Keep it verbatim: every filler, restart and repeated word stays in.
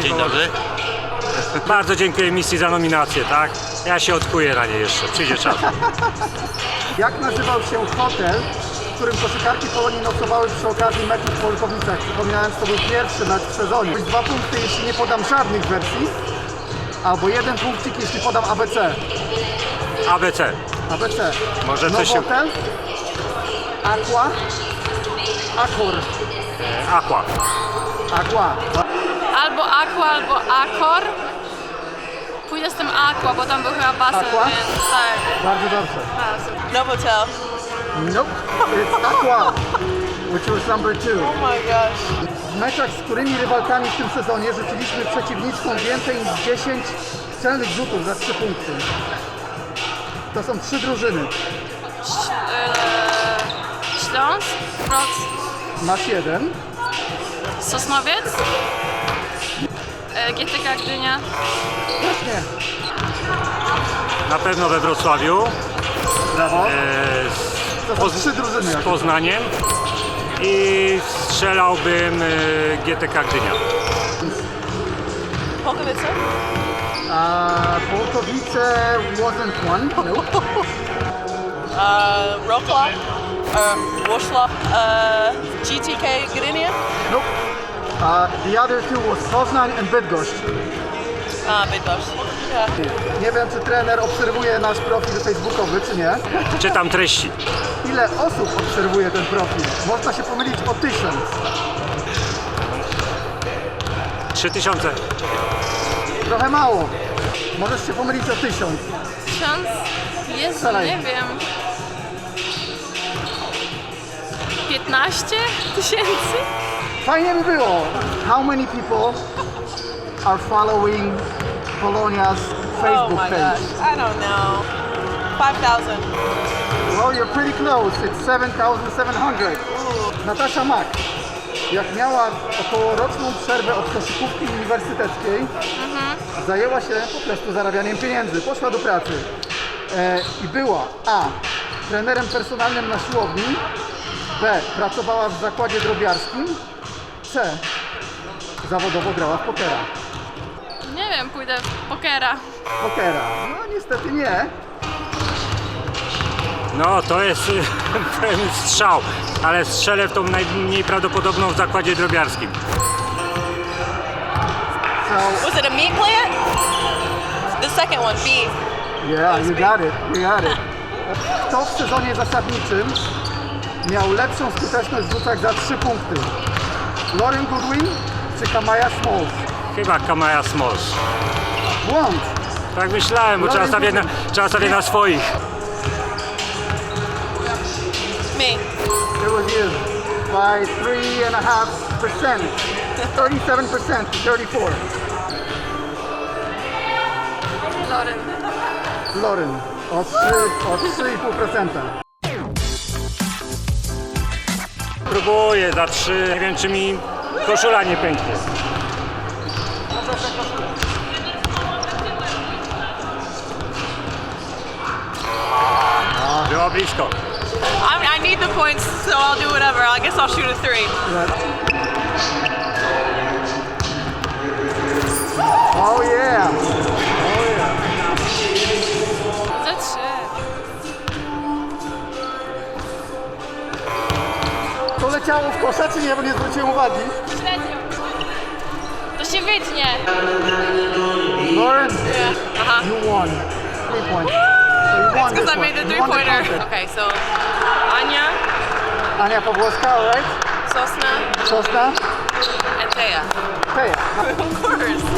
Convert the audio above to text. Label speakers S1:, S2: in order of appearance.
S1: Dzień dobry.
S2: Bardzo dziękuję misji za nominację, tak? Ja się odkuję na nie jeszcze, przyjdzie czas.
S3: Jak nazywał się hotel, w którym koszykarki Polonii nocowały przy okazji meczu w Polkowicach? Przypominałem, że to był pierwszy mecz w sezonie. Dwa punkty, jeśli nie podam żadnych wersji, albo jeden punkcik, jeśli podam A B C.
S2: A B C.
S3: A B C.
S2: Może coś się...
S3: Nowotel, Aqua, Accor,
S2: E, Aqua.
S3: Aqua.
S4: Albo Aqua, albo Accor. Pójdę z tym Aqua, bo tam był chyba basen,
S3: Aqua?
S4: więc tak.
S3: Bardzo dobrze.
S5: Novotel.
S3: Nope, it's Aqua, which was number two.
S5: Oh my gosh.
S3: W meczach, z którymi rywalkami w tym sezonie rzuciliśmy przeciwniczkom więcej niż dziesięć celnych rzutów za trzy punkty. To są trzy drużyny.
S4: Ś- yy, Śląsk, Wroc,
S3: Masz jeden.
S4: Sosnowiec, yy, G T K Gdynia.
S3: Właśnie.
S2: Na pewno we Wrocławiu.
S3: Brawo.
S2: E,
S3: To są trzy drużyny.
S2: z
S3: jak-
S2: Poznaniem. I strzelałbym e, G T K Gdynia.
S5: Polkowice?
S3: Uh, Polkowice wasn't one. Nope.
S5: Uh, Wrocław? Uh, Wrocław? Uh, G T K Gdynia?
S3: Nope. Uh, the other two was Poznań and Bydgoszcz.
S5: Ah, Bydgoszcz. Yeah.
S3: Nie wiem, czy trener obserwuje nasz profil facebookowy, czy nie.
S2: Czytam treści.
S3: Ile osób obserwuje ten profil? Można się pomylić o tysiąc.
S2: Trzy tysiące.
S3: Trochę mało. Możesz się pomylić o tysiąc.
S4: Tysiąc? Jezu,
S3: Strzelaj.
S4: nie wiem. piętnaście tysięcy?
S3: Fajnie by było. How many people are following Polonia's
S5: Oh
S3: Facebook
S5: my
S3: page?
S5: gosh. I don't know. five thousand.
S3: Well, you're pretty close. It's seven thousand seven hundred. Natasza Mak, jak miała około roczną przerwę od koszykówki uniwersyteckiej, zajęła się po prostu zarabianiem pieniędzy. Poszła do pracy e, i była A. trenerem personalnym na siłowni, B. pracowała w zakładzie drobiarskim, C. zawodowo grała w pokera.
S4: Nie wiem, pójdę w pokera.
S3: Pokera. No niestety nie.
S2: No to jest ten strzał, ale strzelę w tą najmniej prawdopodobną w zakładzie drobiarskim.
S3: So,
S5: Was it a meat plant? The second one, beef.
S3: yeah, you got it, you got it. Kto w sezonie zasadniczym miał lepszą skuteczność w rzutach za trzy punkty? Lauren Goodwin czy Kamaya Smalls?
S2: Chyba Kamaya Smalls.
S3: Błąd!
S2: Tak myślałem, bo trzeba stawiać na, trzeba stawiać na swoich.
S5: Me.
S3: It was you by three and a half percent. thirty-seven percent to thirty-four.
S4: Loren.
S3: Lauren o trzy, o trzy i pół procent.
S2: Próbuję za trzy. Nie wiem, czy mi koszula nie pęknie. Było blisko.
S5: I, I need the points, so I'll do whatever. I guess I'll shoot a three.
S3: Oh yeah! Oh yeah!
S4: Za trzy.
S3: To leciało w kosza czy nie, bo nie zwróciłem uwagi?
S4: Średnio. To się wytnie.
S3: Lauren,
S4: Aha.
S3: you won. Three points. So you won
S5: Because
S3: this
S5: I made the
S3: one.
S5: three
S3: You won the
S5: pointer.
S3: contest.
S5: Okay, so
S4: Ania,
S3: Ania Pawłowska, alright?
S5: Sosna
S3: Sosna?
S5: and Taya.
S3: Teja.
S5: Of course.